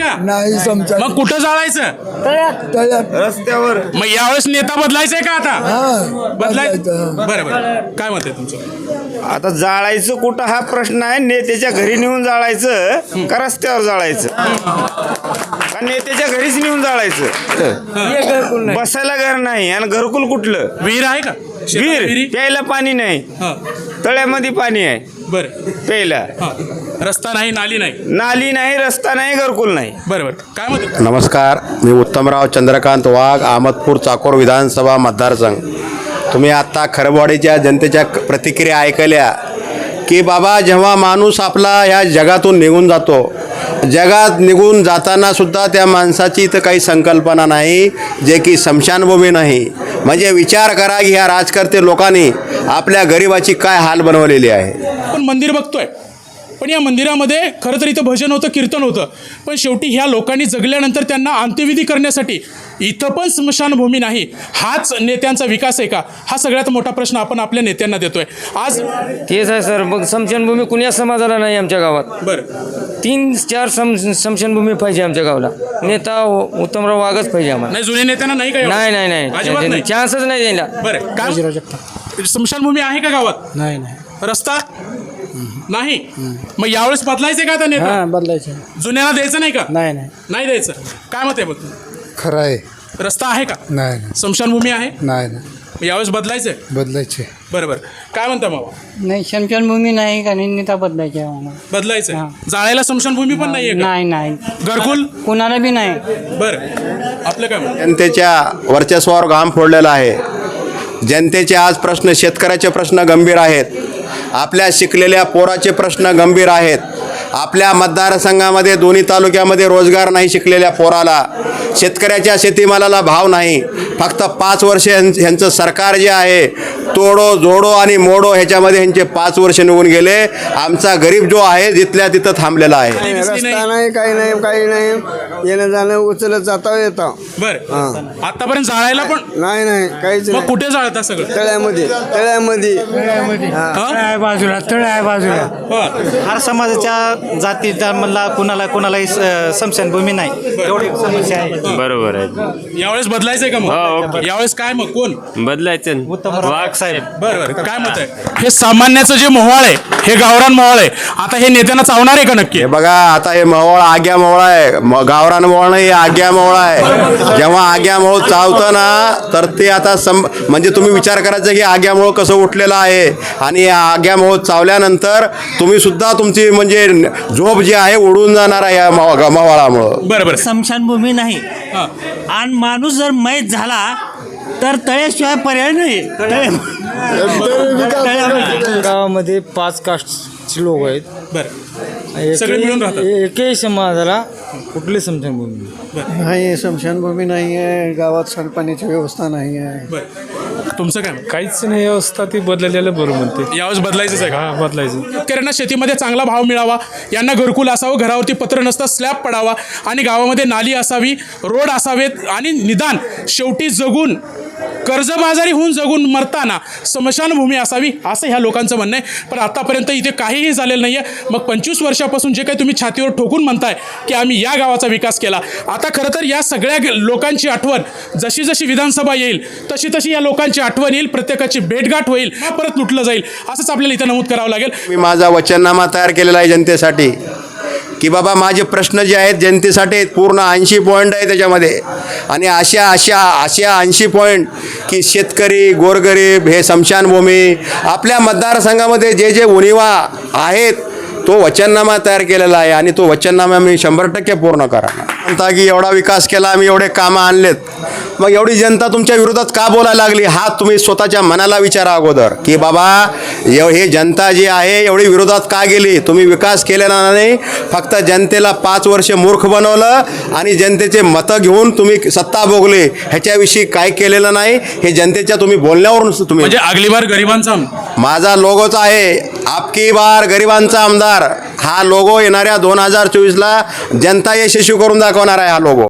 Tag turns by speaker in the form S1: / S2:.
S1: का?
S2: नाही समजा.
S1: मग कुठं जाळायचं?
S3: रस्त्यावर.
S1: मग यावेळेस नेता बदलायचंय का आता?
S2: हा
S1: बदलायचं. बरं बरं, काय मत आहे तुमचं?
S3: आता जाळायचं कुठं हा प्रश्न आहे. नेत्याच्या घरी नेऊन जाळायचं का रस्त्यावर जाळायचं? का नेत्याच्या घरीच नेऊन जाळायचं? बसायला घर नाही आणि घरकुल कुठलं?
S1: विहीर आहे का? शेतात
S3: विहीर
S1: विहिरी?
S3: प्यायला पाणी नाही.
S1: हा.
S3: तळ्यामध्ये पाणी आहे
S1: बरं.
S3: प्यायला.
S1: हा. रस्ता नाही, नाली नाही.
S3: नाली नाही, रस्ता नाही, घरकुल नाही.
S1: बरं बरं, काय मत आहे?
S4: नमस्कार, मी उत्तमराव चंद्रकांत वाघ, अहमदपूर चाकोर विधानसभा मतदारसंघ. तुम्ही आत्ता खरबवाडीच्या जनतेच्या प्रतिक्रिया ऐकल्या की बाबा, जेव्हा माणूस आपला ह्या जगातून निघून जातो, जगात निघून जाताना सुद्धा त्या माणसाची इथं काही संकल्पना नाही, जे की स्मशानभूमी नाही. म्हणजे विचार करा की ह्या राजकर्ते लोकांनी आपल्या गरिबाची काय हाल बनवलेली आहे.
S1: आपण मंदिर बघतोय, पण या मंदिरामध्ये खरं तर इथं भजन होतं, कीर्तन होतं, पण शेवटी ह्या लोकांनी जगल्यानंतर त्यांना अंत्यविधी करण्यासाठी इथं पण स्मशानभूमी नाही. हाच नेत्यांचा विकास आहे का? हा सगळ्यात मोठा प्रश्न आपण आपल्या नेत्यांना देतोय आज.
S5: तेच आहे सर. मग स्मशानभूमी कुणी समाजाला नाही आमच्या गावात.
S1: बरं.
S5: 3-4 स्मशानभूमी पाहिजे आमच्या गावाला. नेता उत्तमराव वाघच पाहिजे आम्हाला.
S1: नाही, जुन्या नेत्यांना नाही का?
S5: नाही
S1: अजिबात नाही.
S5: चान्सच नाही द्यायला.
S1: बरं, काय स्मशानभूमी आहे का गावात?
S2: नाही नाही
S1: रस्ता नाही. मग यावेळेस बदलायचे का आता नेता?
S2: बदलायचं
S1: जुन्याला द्यायचं नाही का?
S2: नाही नाही
S1: नाही द्यायचं. काय मत आहे बघ?
S2: खरं आहे.
S1: रस्ता आहे का?
S2: नाही
S1: स्मशानभूमी आहे?
S2: नाही नाही
S1: मग यावेळेस बदलायचंय?
S2: बदलायचे.
S1: बरं बरं, काय म्हणता मामा?
S6: नाही, स्मशानभूमी नाही का? नेता बदलायचे आहे आम्हाला.
S1: बदलायचंय.
S6: हां.
S1: जाळायला स्मशानभूमी पण नाहीये का?
S6: नाही
S1: घरकुल?
S6: कुणाला बी नाही.
S1: बरं, आपलं काय म्हणणं?
S4: जनतेच्या वर्चस्वावर घाम फोडलेला आहे. जनतेचे आज प्रश्न, शेतकऱ्याचे प्रश्न गंभीर आहेत. आपल्या शिकलेल्या पोराचे प्रश्न गंभीर आहेत. आपल्या मतदारसंघामध्ये दोन्ही तालुक्यामध्ये रोजगार नाही शिकलेल्या पोराला. शेतकऱ्याच्या शेतीमालाला भाव नाही. फक्त 5 वर्ष ह्यांचं सरकार जे आहे, तोडो जोडो आणि मोडो ह्याच्यामध्ये ह्यांचे 5 वर्ष निघून गेले. आमचा गरीब जो आहे जिथल्या तिथं थांबलेला आहे.
S3: रस्ता नाही, काही नाही. येणं जाणं उचलत जाता येतं.
S1: बरं, आतापर्यंत जाळायला पण
S3: नाही काहीच
S1: मग कुठे जाळता सगळं?
S3: तळ्यामध्ये.
S1: हां?
S2: बाजूला तळ आहे बाजूला.
S1: हां.
S7: हर समाजाच्या जाती धर्माला कोणालाही स्मशानभूमी नाही. एवढी समस्या आहे.
S8: बरोबर आहे.
S1: यावेळेस बदलायचंय का
S8: हो,
S1: मग?
S8: ओके.
S1: यावेळेस काय मग कोण?
S8: बदलायचं वाघ साहेब.
S1: बरं, काय मत आहे? हे सामान्याचं जे मोहळ आहे, हे गावरान मोहळ आहे, आता हे नेत्यांना चावणार आहे का नक्की?
S4: हे बघा, आता हे मोहळ आग्या मोहळ आहे. गावरान मोहळ नाही, हे आग्या मोहळ आहे. जेव्हा आग्या मोहळ चावतं ना, तर ते आता म्हणजे तुम्ही विचार करायचा की आग्या मोहळ कसं उठलेलं आहे. आणि आग्या मोहळ चावल्यानंतर तुम्ही सुद्धा तुमची म्हणजे झोप जी आहे उडून जाणार आहे या मोहळामुळं.
S1: बरं.
S7: स्मशानभूमी नाही.
S1: हां.
S7: आणि माणूस जर मैत झाला तर तळ्याशिवाय पर्याय नाही.
S5: गावामध्ये 5 कास्टचे लोक आहेत.
S1: बरं, सगळे मिळून राहतात.
S5: एकही समाजाला कुठली स्मशानभूमी
S2: नाही, स्मशानभूमी नाही आहे गावात. सांडपाण्याची व्यवस्था नाही आहे.
S1: बरं, तुमचं काय?
S9: काहीच नाही व्यवस्था, ती बदललेलं बरं म्हणते.
S1: यावेळेस बदलायचंच आहे का?
S9: हा, बदलायचं.
S1: शेतकऱ्यांना शेतीमध्ये चांगला भाव मिळावा, यांना घरकुल असावं, घरावरती पत्र नसता, स्लॅब पडावा आणि गावामध्ये नाली असावी, रोड असावेत आणि निदान शेवटी जगून कर्जबाजारी होऊन जगून मरताना स्मशानभूमी असावी, असं ह्या लोकांचं म्हणणं आहे. पण आतापर्यंत इथे काहीही झालेलं नाही आहे. मग 25 वर्षापासून जे काही तुम्ही छातीवर ठोकून म्हणताय की आम्ही या गावाचा विकास केला, आता खरं तर या सगळ्या लोकांची आठवण जशी जशी विधानसभा येईल तशी या लोकांची आठवण येईल, प्रत्येकाची भेटगाठ होईल, परत लुटलं जाईल, असंच आपल्याला इथं नमूद करावं लागेल.
S4: मी माझा वचननामा तयार केलेला आहे जनतेसाठी की बाबा, माझे प्रश्न जे आहेत जनतेसाठी आहेत. पूर्ण 80 पॉईंट आहे त्याच्यामध्ये. आणि अशा 80 पॉईंट की शेतकरी, गोरगरीब, हे स्मशानभूमी, आपल्या मतदारसंघामध्ये जे जे उणिवा आहेत, तो वचननामा तयार केलेला आहे. आणि तो वचननामा मी 100% पूर्ण करा. म्हणता की एवढा विकास केला, आम्ही एवढे कामं आणलेत, मग एवढी जनता तुमच्या विरोधात का बोलायला लागली? हा तुम्ही स्वतःच्या मनाला विचारा अगोदर की बाबा, हे जनता जी आहे एवढी विरोधात का गेली? तुम्ही विकास केलेला नाही, फक्त जनतेला 5 वर्ष मूर्ख बनवलं आणि जनतेचे मतं घेऊन तुम्ही सत्ता भोगली. ह्याच्याविषयी काय केलेलं नाही, हे जनतेच्या तुम्ही बोलण्यावरून तुम्ही.
S1: म्हणजे अगली बार गरिबांचा
S4: माझा लोगोच आहे, आपकी बार गरिबांचा आमदार. हा लोगो येणाऱ्या 2024ला जनता यशस्वी करून दाखवणार आहे. हा लोगो